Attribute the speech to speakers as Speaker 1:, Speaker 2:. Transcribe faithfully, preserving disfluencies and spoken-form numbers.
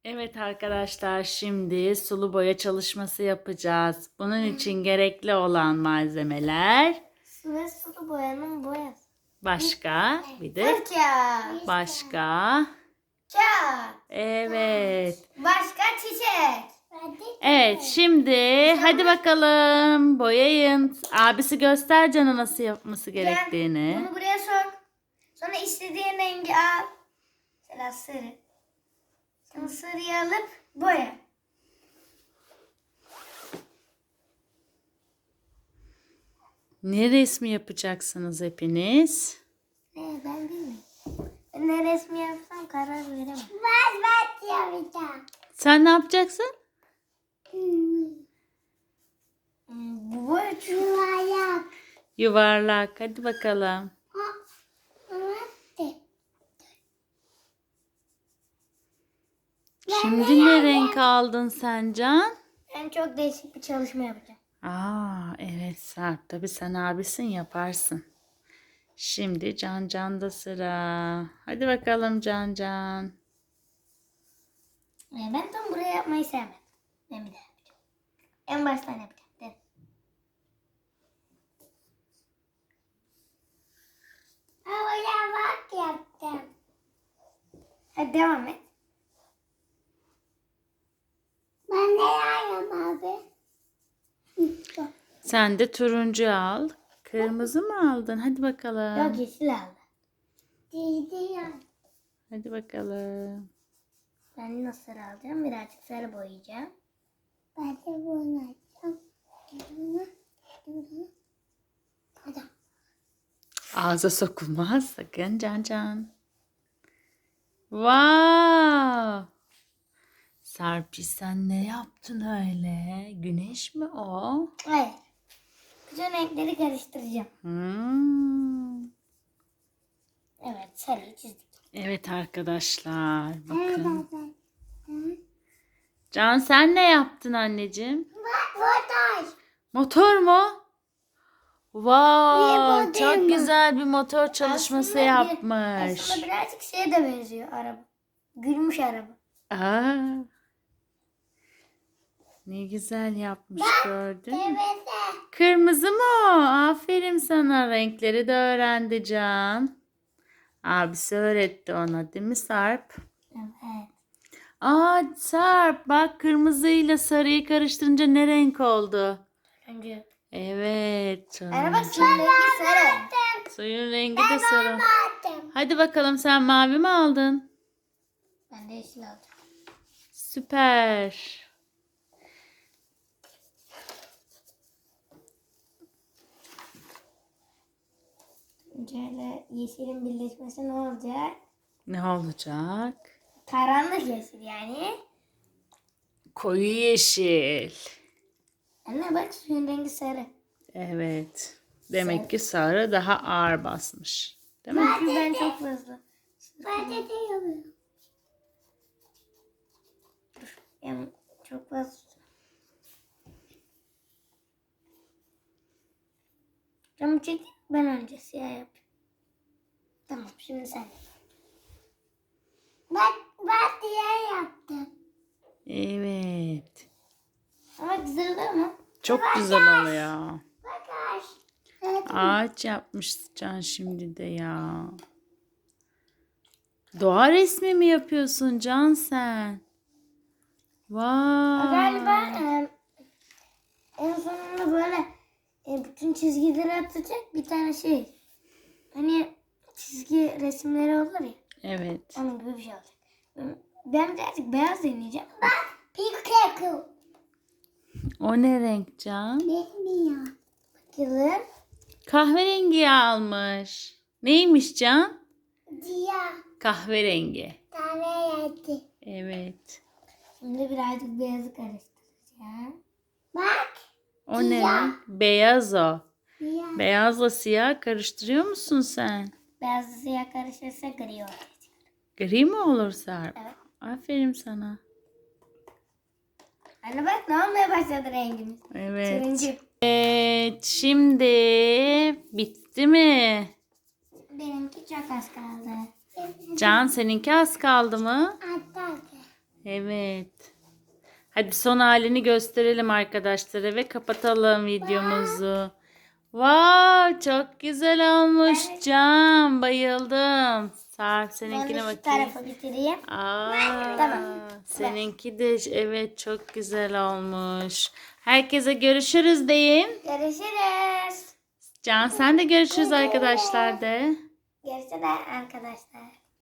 Speaker 1: Evet arkadaşlar, şimdi sulu boya çalışması yapacağız. Bunun için gerekli olan malzemeler
Speaker 2: Su ve sulu boyanın boyası.
Speaker 1: başka bir de
Speaker 2: Fırça.
Speaker 1: başka.
Speaker 2: Kağıt.
Speaker 1: Evet.
Speaker 2: Başka çiçek.
Speaker 1: Evet, şimdi hadi bakalım boyayın. Abisi göster Can'a nasıl yapması gerektiğini.
Speaker 2: Bunu buraya sok. Sonra istediğin rengi al. Mesela sarı. Sonra sarıyı alıp boya.
Speaker 1: Ne resmi yapacaksınız hepiniz?
Speaker 2: Ne ben bilmiyorum. Ben ne resmi yapsam karar veremem. Ben ben yapacağım.
Speaker 1: Sen ne yapacaksın?
Speaker 2: Hmm, bu boya yuvarlak.
Speaker 1: Yuvarlak. Hadi bakalım. Şimdi ne renk aldın sen Can?
Speaker 2: Ben çok değişik bir çalışma yapacağım.
Speaker 1: Aa, evet Sarp, tabii sen abisin, yaparsın. Şimdi Can Can'da sıra. Hadi bakalım Can Can.
Speaker 2: Ee, Ben tam buraya yapmayı sevmedim. Ben bir daha yapacağım. En baştan yapacağım. Dedim. Oraya bak yaptım. Hadi devam et. Ben ne yapayım abi?
Speaker 1: Sen de turuncu al. Kırmızı mı aldın? Hadi bakalım.
Speaker 2: Yok yeşil aldı. Değdi.
Speaker 1: Hadi bakalım.
Speaker 2: Ben nasıl sarı alacağım? Birazcık sarı boyayacağım. Ben de bunu alacağım. Hadi.
Speaker 1: Ağza sokulmaz sakın Can Can. Wow! Sarp'i, sen ne yaptın öyle? Güneş mi o?
Speaker 2: Hayır. Bütün renkleri karıştıracağım.
Speaker 1: Hmm.
Speaker 2: Evet, sarıyı çizdik.
Speaker 1: Evet arkadaşlar, bakın. Can, sen ne yaptın anneciğim?
Speaker 2: Motor.
Speaker 1: Motor mu? Wow,
Speaker 2: bu değil
Speaker 1: çok
Speaker 2: mi?
Speaker 1: güzel bir motor çalışması
Speaker 2: Aslında bir-
Speaker 1: yapmış.
Speaker 2: Aslında birazcık şeye de benziyor araba. Gülmüş araba.
Speaker 1: Aa, ne güzel yapmış, gördün mü?
Speaker 2: Evet.
Speaker 1: Kırmızı mı o? Aferin sana, renkleri de öğrendi Can. Abisi öğretti ona, değil mi Sarp?
Speaker 2: Evet.
Speaker 1: Aa Sarp, bak, kırmızıyla sarıyı karıştırınca ne renk oldu?
Speaker 2: Önce.
Speaker 1: Evet.
Speaker 2: Araba suyun rengi sarı.
Speaker 1: Suyun rengi de sarı. Hadi bakalım, sen mavi mi aldın?
Speaker 2: Ben de yeşil alacağım.
Speaker 1: Süper.
Speaker 2: Şöyle yeşilin birleşmesi ne olacak?
Speaker 1: Ne olacak?
Speaker 2: Karanlık yeşil yani.
Speaker 1: Koyu yeşil.
Speaker 2: Anne bak suyun rengi sarı.
Speaker 1: Evet. Demek ki sarı daha ağır basmış. Değil mi?
Speaker 2: Çünkü ben çok fazla. Ben de diyorum. Yani çok fazla. Camı çekeyim, ben önce siyah yapayım. Tamam, şimdi sen. Ben, ben siyah yaptım.
Speaker 1: Evet.
Speaker 2: Ama güzel olur mu?
Speaker 1: Çok güzel oluyor.
Speaker 2: Bak ağaç.
Speaker 1: Ağaç yapmış Can şimdi de ya. Doğa resmi mi yapıyorsun Can sen? Vay.
Speaker 2: Galiba e, en sonunda böyle e, bütün çizgileri atacak bir tane şey. Hani çizgi resimleri olur ya.
Speaker 1: Evet.
Speaker 2: Onun gibi bir şey olacak. Ben birazcık beyaz deneyeceğim. Bak. Pink cake.
Speaker 1: O ne renk Can?
Speaker 2: Bilmiyorum. Bakalım.
Speaker 1: Kahverengi almış. Neymiş Can?
Speaker 2: Siyah.
Speaker 1: Kahverengi.
Speaker 2: Kahverengi.
Speaker 1: Evet.
Speaker 2: Şimdi birazcık beyazı karıştıracağım. Bak.
Speaker 1: O ne renk? Beyaz o.
Speaker 2: Siyah.
Speaker 1: Beyazla siyah karıştırıyor musun sen?
Speaker 2: Beyazla siyah karışırsa gri olur.
Speaker 1: Gri mi olur Sarp?
Speaker 2: Evet.
Speaker 1: Aferin sana.
Speaker 2: Anne bak ne olmaya başladı rengimiz.
Speaker 1: Evet.
Speaker 2: Turuncu.
Speaker 1: Evet. Şimdi bitti mi?
Speaker 2: Benimki çok az kaldı.
Speaker 1: Can, seninki az kaldı mı?
Speaker 2: Az kaldı.
Speaker 1: Evet. Hadi son halini gösterelim arkadaşlara ve kapatalım videomuzu. Wow, çok güzel olmuş
Speaker 2: Evet.
Speaker 1: Can. Bayıldım. Sarp
Speaker 2: Ben de
Speaker 1: seninkine
Speaker 2: şu
Speaker 1: bakayım.
Speaker 2: tarafa bitireyim.
Speaker 1: Aa,
Speaker 2: Tamam.
Speaker 1: seninki de evet çok güzel olmuş. Herkese görüşürüz deyin.
Speaker 2: Görüşürüz.
Speaker 1: Can sen de görüşürüz arkadaşlar de.
Speaker 2: Görüşürüz arkadaşlar.